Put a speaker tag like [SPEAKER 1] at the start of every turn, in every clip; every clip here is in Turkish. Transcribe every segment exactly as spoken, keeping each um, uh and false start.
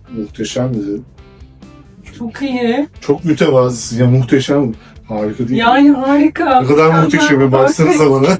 [SPEAKER 1] Muhteşem dedi.
[SPEAKER 2] Çok iyi.
[SPEAKER 1] Çok mütevazısın ya, muhteşem. Harika değil mi?
[SPEAKER 2] Yani harika.
[SPEAKER 1] Ne kadar muhteşem, baksanıza bana.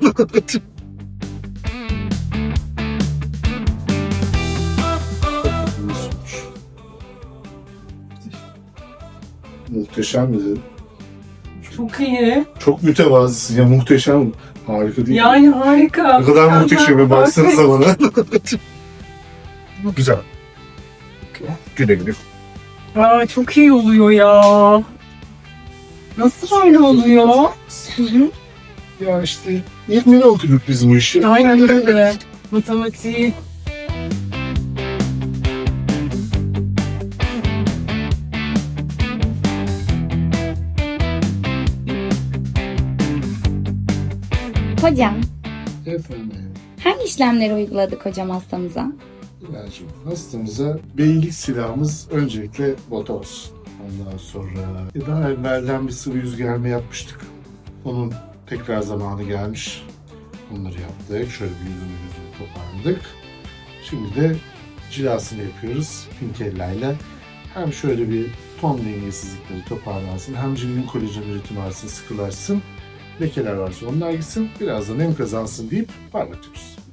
[SPEAKER 1] Muhteşem dedi.
[SPEAKER 2] Çok iyi.
[SPEAKER 1] Çok mütevazısın ya, muhteşem. Harika değil mi?
[SPEAKER 2] Yani harika.
[SPEAKER 1] Ne kadar muhteşem, baksanıza bana. Güzel. Güle güle.
[SPEAKER 2] Aa, çok iyi oluyor ya. Nasıl böyle oluyor? Hı hı.
[SPEAKER 1] Ya işte yirmi okuduk biz bu işi.
[SPEAKER 2] Aynen öyle. Matematiği.
[SPEAKER 3] Hocam,
[SPEAKER 1] Efendim,
[SPEAKER 3] hangi işlemleri uyguladık hocam hastamıza?
[SPEAKER 1] İlacım, hastamıza beylik silahımız öncelikle botoks. Ondan sonra e, daha evvelden bir sıvı yüz germe yapmıştık. Onun tekrar zamanı gelmiş. Onları yaptık. Şöyle bir yüzünü yüzünü toparladık. Şimdi de cilasını yapıyoruz Pinkella. Hem şöyle bir ton dengesizlikleri toparlansın, hem cildin kolajen üretimi artsın, sıkılaşsın. Lekeler varsa onlar gitsin, biraz da nem kazansın deyip parlatıyoruz.